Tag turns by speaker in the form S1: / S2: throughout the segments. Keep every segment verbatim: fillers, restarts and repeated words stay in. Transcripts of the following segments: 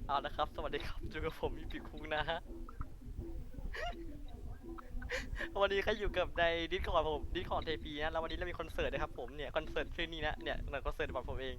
S1: เอาละครับสวัสดีครับอยู่กับผมมีปีคุงนะฮะวันนี้ก็อยู่กับในดิสคอร์ดผมดิสคอร์ดเทปีนะแล้ววันนี้เรามีคอนเสิร์ตนะครับผมเนี่ยคอนเสิร์ตชื่อนี้นะเนี่ยหนังคอนเสิร์ตของผมเอง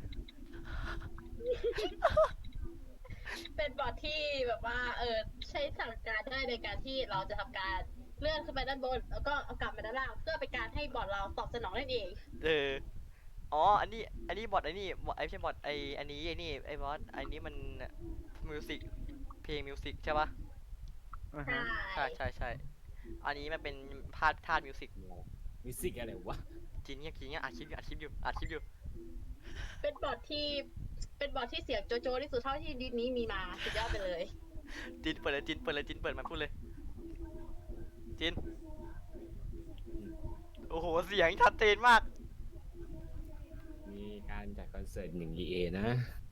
S2: เป็นบอทที่แบบว่าเออใช้สั่งการได้ในการที่เราจะทำการเลื่อนขึ้นไปด้านบนแล้วก็เอากลับมาด้านล่างเพื่อเป็นการให้บอทเราตอบสนองนั่นเอง
S1: เอออ๋ออันนี้อันนี้บอทไอ้นี่บอทไอ้ไม่ใช่บอทไอ้อันนี้ไอ้นี่ไอ้บอทไอ้นี้มันมิวสิกเพลงมิวสิกใช่ปะ
S3: อ่า
S2: ใช่
S3: ฮะ
S1: ใช่ใช่ใช่อันนี้มันเป็นพาดธาตุมิวสิก
S3: มิวสิกอะไรวะ
S1: จริงเนี่ยจริงเนี่ยอัดคลิปอยู่อัดคลิปอยู่อัดคลิปอยู่
S2: เป็นบอทที่เป็นบอทที่เสียงโจโจ้ที่สุดเท่าที่ดิสนี้มีมาสุดยอดไปเลย
S1: จินเปิดเลยจินเปิดเลยจินเปิดมาพูดเลยจินโอ้โหเสียงชัดเจนมาก
S3: มีการจัดคอนเสิร์ตหนึ่ง อี เอ นะ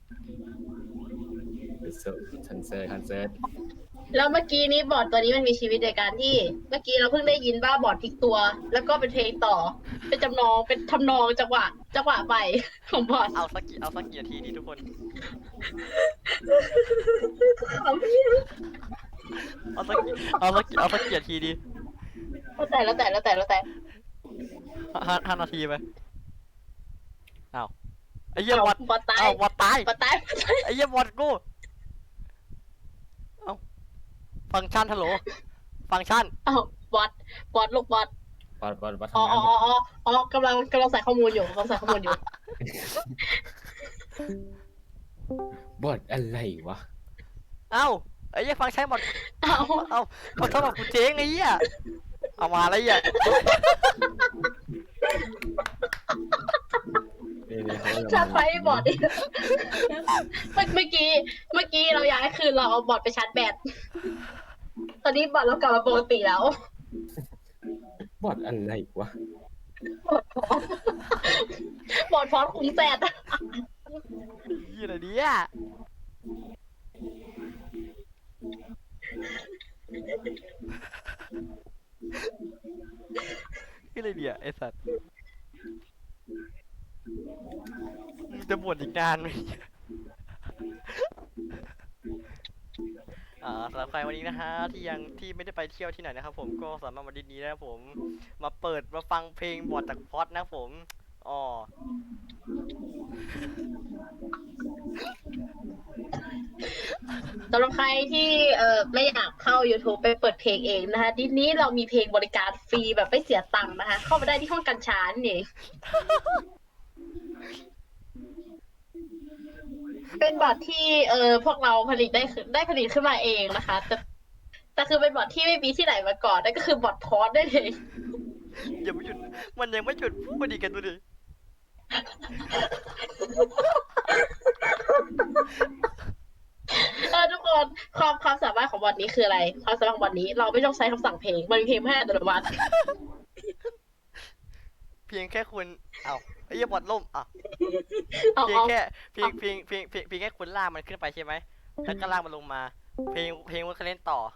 S3: คอนเสิร์ตคอนเสิร์ตคอนเสิร์ต
S2: แล้วเมื่อกี้นี้บอทตัวนี้มันมีชีวิตในการที่เมื่อกี้เราเพิ่งได้ยินว่าบอทพลิกตัว แล้วก็เป็นเพลงต่อ เป็นจำนองเป็นทำนองจังหวะจังหวะไปของบอท
S1: เอาสักกี่เอาสักกี่นาทีดีทุกคน เอาสักกี่เอาสักกี่เอาสักกี่นาทีดี
S2: แล้วแต่แล้วแต่แล้วแต่แล้วแต่
S1: ห้าห้านาทีไหมอ้าวไอ้เหี้ย
S2: เอา
S1: บอด
S2: บอทตาย
S1: อ้าวบอดตาย
S2: บอทตาย
S1: ไอ้เหี้ยบอดกูเอ้าฟังก์ชันฮัลโหลฟังก์ชัน
S2: เอาบอทบอทลูกบอท
S3: ปอดปอดปอด
S2: อ๋อ
S3: ทำงาน
S2: อ๋ออ๋ออ๋อกำลังกำลังใส่ข้อมูลอยู่กำลังใส่ข้อมูลอยู่
S3: บอดอะไรวะ
S1: เอ้าไอ้เหี้ยฟังก์ชันบอด
S2: เอา
S1: เอ้าเขาทำแบบกูเจ๊งไอ้เหี้ยเอามาอะไรเหี้ย
S3: เนี่ยเนี่ยเขา
S2: ชาร์จไฟให้บอทดิเมื่อเมื่อกี้เมื่อกี้เราย้ายคืนเราเอาบอทไปชาร์จแบตตอนนี้บอทเรากลับมาปกติแล้ว
S3: บอดอะไรวะ
S2: บอทพร้อมคุ้มแซด
S1: เหี้ยอะไรเนี่ยเหี้ยอะไรเนี่ยไอ้สัตว์มึงจะบ่นอีกนานไหม อ่าสำหรับใครวันนี้นะฮะที่ยังที่ไม่ได้ไปเที่ยวที่ไหนนะครับผมก็สามารถมาดิสนี้นะครับผมมาเปิดมาฟังเพลงบอดจากพอดนะครับผมอ๋อ
S2: สำหรับใครที่เอ่อไม่อยากเข้า YouTube ไปเปิดเพลงเองนะคะทีนี้เรามีเพลงบริการฟรีแบบไม่เสียตังค์นะคะ เข้ามาได้ที่ห้องกัญชานี่เองเป็นบอทที่เอ่อพวกเราผลิตได้ขึ้นได้ผลิตขึ้นมาเองนะคะ แต่แต่คือเป็นบอทที่ไม่มีที่ไหนมาก่อนนั่นก็คือบอทพอดได้เอง
S1: อย่าไม่หยุดมันยังไม่หยุดพูดดีกันดูดิ
S2: เออทุกคนความความสามารถของบอทนี้คืออะไรความสามารถของบอทนี้เราไม่ต้องใช้คำสั่งเพลงมันมีเพลงให้อัตโนมัติ
S1: เพียงแค่คุณเอ้าไอ้เหี้ยบอดล่มอ่ะ
S2: เอา
S1: เพียง
S2: เอา
S1: แค่เพียงเพียงเพียงเพียงเพียงแค่คุณลากมันขึ้นไปใช่ไหมแล้วก็ลากมันลงมา เพลงเพลงมันก็เล่นต่อ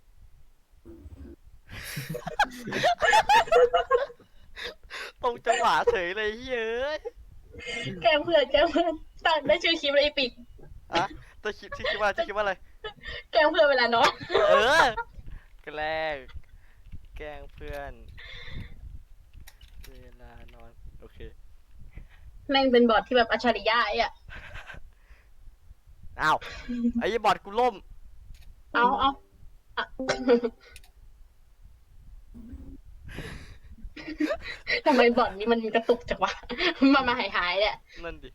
S1: ตรงจังหวะเฉยเลยเฮ้ย
S2: แกล้งเพื่อนแกล้งเพื่อนตั้งได้ชื่อคลิปเลยอีปิก
S1: อะจะคิดที่คิดว่าจะคิดว่าอะไร
S2: แกล้งเพื่อนเวลานอน
S1: เออแกล้งแกล้งเพื่อนเวลานอนโอเค
S2: แม่งเป็นบอทที่แบบอัจฉริยะไอ้อะ
S1: อ้าวไอ้บอดกูล่ม
S2: เอาเอาอะทำไมบอทนี้มันกระตุกจังวะมามาหายหายๆเนี่ย
S1: นั่นดิ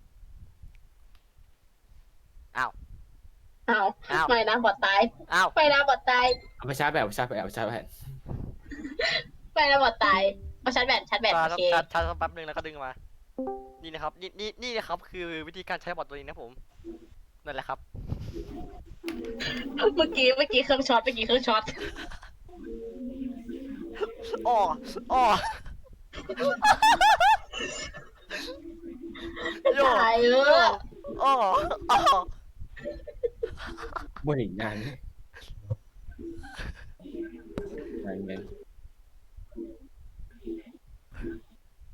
S1: อ้าว
S2: เอา
S1: อ้าว
S2: ไม่นะบอทตาย
S1: อ้าว
S2: ไม่นะบอทตาย
S3: เอาไปชาร์จแบตเอาไปชาร์จแบตเอาไปชาร์จแบต
S2: ไม่นะบอทตายเอาชาร์จแบตชาร์จแบต
S1: ชา
S2: โอ
S1: ร์จ
S2: เค
S1: ชาร์จชาร์จสักแป๊บนึงแล้วก็ดึงมา นี่นะครับนี่นี่นี่นะครับคือวิธีการใช้บอทตัวนี้นะผมนั่นแหละครับ
S2: เมื่อกี้เมื่อกี้เครื่องช็อตเมื่อกี้เครื่องช็อต
S1: อ้ออ้อโย
S2: ตายเออ
S1: อ้ออ้อ
S3: บ่นอีกนานไหมนานไหม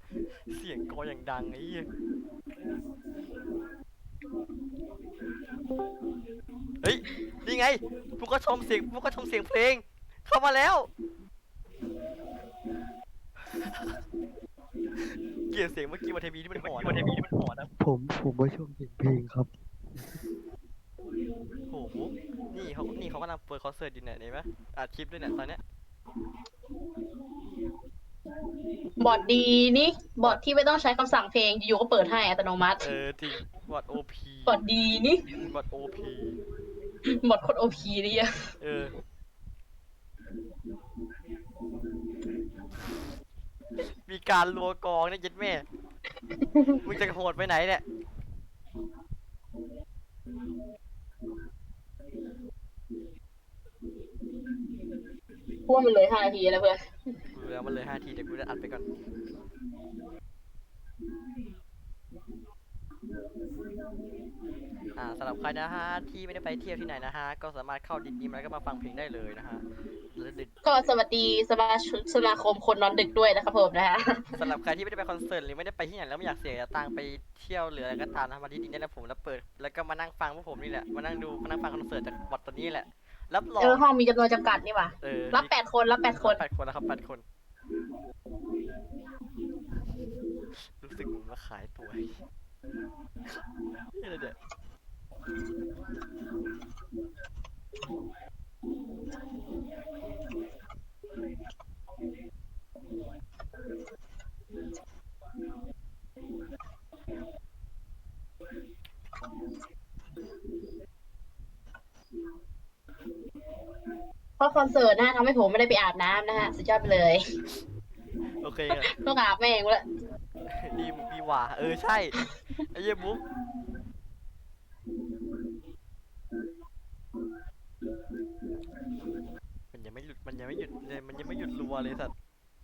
S1: เสียงกออย่างดังไอ้เหี้ยเฮ้ยนี่ไงพวกก็ชมเสียงพวกก็ชมเสียงเพลง เข้ามาแล้ว เกลียดเสียงเมื่อกี้วันเทมีที่มันหอนวันเทมีที่มันหอนนะ
S4: ผมผมมาชมเสียงเพลงครับ
S1: โอ้โหนี่เขานี่เขากำลังเปิดคอนเสิร์ตอยู่เนี่ยเห็นไหมอัดคลิปด้วยเนี่ยตอนเนี้ย
S2: บอทดีนี่บอทที่ไม่ต้องใช้คำสั่งเพลงอยู่ๆก็เปิดให้อัตโนมัติ
S1: เออจริงบอดโอพี
S2: บอทดีนี่
S1: บอดโอพี
S2: บอทโคตรโอพีเลยอะ
S1: เออ มีการรัวกองเนี่ยเย็ดแม่ มึงจะโหดไปไหนเนี่ย
S2: พวกมันเลยห้านาทีแล้วเพื่อน
S1: กูรู้แล้วมันเลยห้าทีเดี๋ยวกูจะอัดไปก่อน อ่าสำหรับใครนะฮะที่ไม่ได้ไปเที่ยวที่ไหนนะฮะก็สามารถเข้าดิสนีย์มาแล้วก็มาฟังเพลงได้เลยนะฮะแล้วดึก
S2: ก็สวัสดีสมาชิกสมาคมคนนอนดึกด้วยนะครับผมนะฮะ
S1: สำหรับใครที่ไม่ได้ไปคอนเสิร์ตหรือไม่ได้ไปที่ไหนแล้วไม่อยากเสียตังค์ไปเที่ยวหรืออะไรก็ตามนะมาที่ดิสนีย์ได้แล้วผมแล้วเปิดแล้วก็มานั่งฟังพวกผมนี่แหละมานั่งดูมานั่งฟังคอนเสิร์ตจากบอทตัวนี้แหละรับรอ
S2: เอง อห้องมีจำนวนจำกัดนี่หว่า
S1: เออ
S2: รับแปดคนรับแปดคน
S1: แปดคนแล้วครับแปดคน รู้สึกเหมือนมาขายตัวนี่อะไรเนี่ย
S2: เพราะคอนเสิร์ตนะฮะทำให้ผมไม่ได้ไปอาบน้ำนะฮะสุดยอดไปเลย
S1: โอเคครับ
S2: ต้องอาบแม่งละ
S1: ดีมุกดีหว่าเออใช่ไอ้เยี่ยมุกมันยังไม่หยุดมันยังไม่หยุดเลยมันยังไม่หยุดรัวเลยสัตว์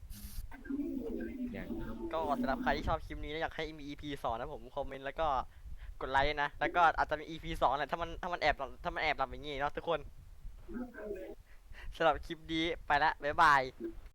S3: อย่าง
S1: ก็สำหรับใครที่ชอบคลิปนี้และอยากให้มี อี พี สองนะผมคอมเมนต์แล้วก็กดไลค์นะ แล้วก็อาจจะมี อี พี สองแหละถ้ามันถ้ามันแอบหลับถ้ามันแอบหลับอย่างงี้เนาะทุกคนสำหรับคลิปนี้ไปละบ๊ายบาย